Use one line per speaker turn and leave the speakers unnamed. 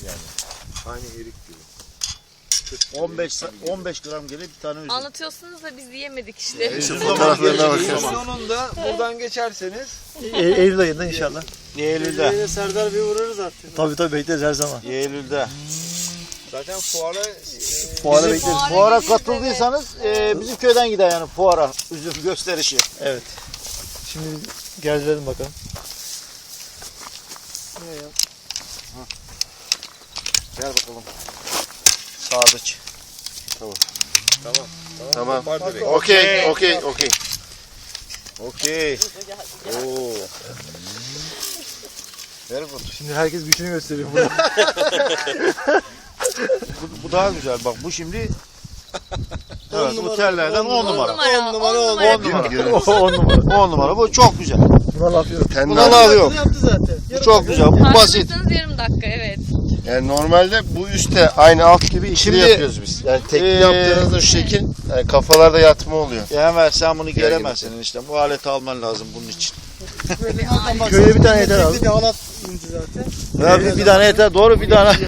yani. Aynı erik gibi.
15 gram gelir bir tane üzüm.
Anlatıyorsunuz da biz yiyemedik işte.
Şu fotoğraflarına bakın.
Sonunda buradan geçerseniz
Eylül ayında inşallah.
Eylül'de.
Serdar bir uğrarız artık. Tabii bekleriz her zaman.
Eylül'de.
zaten fuara
Fuara
Bizim
bekleriz.
fuara katıldıysanız bizim köyden gider yani fuara üzüm gösterişi.
Evet. Şimdi gezdirelim bakalım.
Gel bakalım. Sadıç.
Tamam.
var direkt.
Okey.
Okey. Oo. Very good.
Şimdi herkes gücünü gösteriyor burada.
Bu daha güzel bak bu şimdi evet, bu tellerden 10 numara.
10 numara.
10 numara.
10 numara.
10 numara. Bu çok güzel.
Buna laf yok.
Buna laf yok.
Yaptı zaten.
Bu çok güzel. Bu basit.
Tartışırsanız yarım dakika evet.
Yani normalde bu üstte aynı alt gibi ikili
Şimdi,
yapıyoruz biz. Yani tekli
eee,
yaptığınızda şu şekil yani kafalarda yatma oluyor.
Ya hemen sen bunu gelemezsin işte. Bu aleti alman lazım bunun için.
Köyde bir tane yeter abi.
Ya bir tane yeter. Doğru bir tane.